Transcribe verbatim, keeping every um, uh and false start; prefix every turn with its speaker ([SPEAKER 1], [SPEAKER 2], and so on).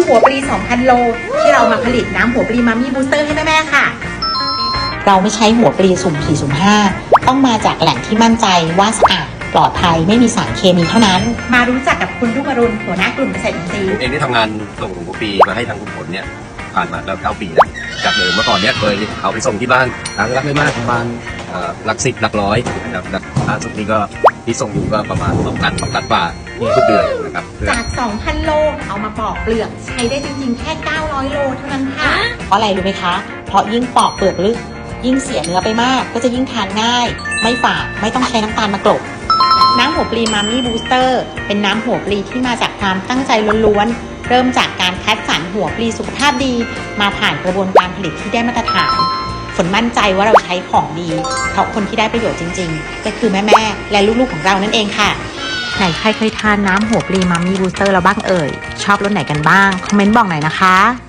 [SPEAKER 1] หัวปลี สองพัน โลที่เรามาผลิตน้ำหัวปลีมัมมี่บูสเตอร์ให้แม่ๆค่ะ
[SPEAKER 2] เราไม่ใช้หัวปลีสุ่มสี่สุ่มห้าต้องมาจากแหล่งที่มั่นใจว่าสะอาดปลอดภัยไม่มีสารเคมีเท่านั้น
[SPEAKER 1] มารู้จักกับคุณรุ่งอรุณหัวหน้ากลุ่มเกษตรอินทรีย์
[SPEAKER 3] เองได้ทำงานส่งหัวปลีมาให้ทางคุณผลเนี่ยผ่านมาแล้วเก้าปีแล้วจากเดิมเมื่อก่อนเนี่ยเคยเอาไปส่งที่บ้านครั้งละไม่มากประมาณหลักสิบหลักร้อยนะครับล่าสุดนี้ก็ที่ส่งอยู่ก็ประมาณสองตันสองตันกว่าทุกเดือนนะครับ
[SPEAKER 1] จาก สองพัน โลเอามาปอกเปลือกใช้ได้จริงๆแค่เก้าร้อยโลเท่านั้นค่ะ
[SPEAKER 2] เพราะอะไรรู้ไหมคะเพราะยิ่งปอกเปลือกลึกยิ่งเสียเนื้อไปมากก็จะยิ่งทานง่ายไม่ฝาดไม่ต้องใช้น้ำตาลมากลบน้ำหัวปลีมัมมี่บูสเตอร์เป็นน้ำหัวปลีที่มาจากความตั้งใจล้วนๆเริ่มจากการคัดสรรหัวปลีสุขภาพดีมาผ่านกระบวนการผลิตที่ได้มาตรฐานฝนมั่นใจว่าเราใช้ของดีเพราะคนที่ได้ประโยชน์จริงๆก็คือแม่ๆและลูกๆของเรานั่นเองค่ะไหนใครเคยทานน้ำหัวปลีมัมมี่บูสเตอร์แล้วบ้างเอ่ยชอบรสไหนกันบ้างคอมเมนต์บอกหน่อยนะคะ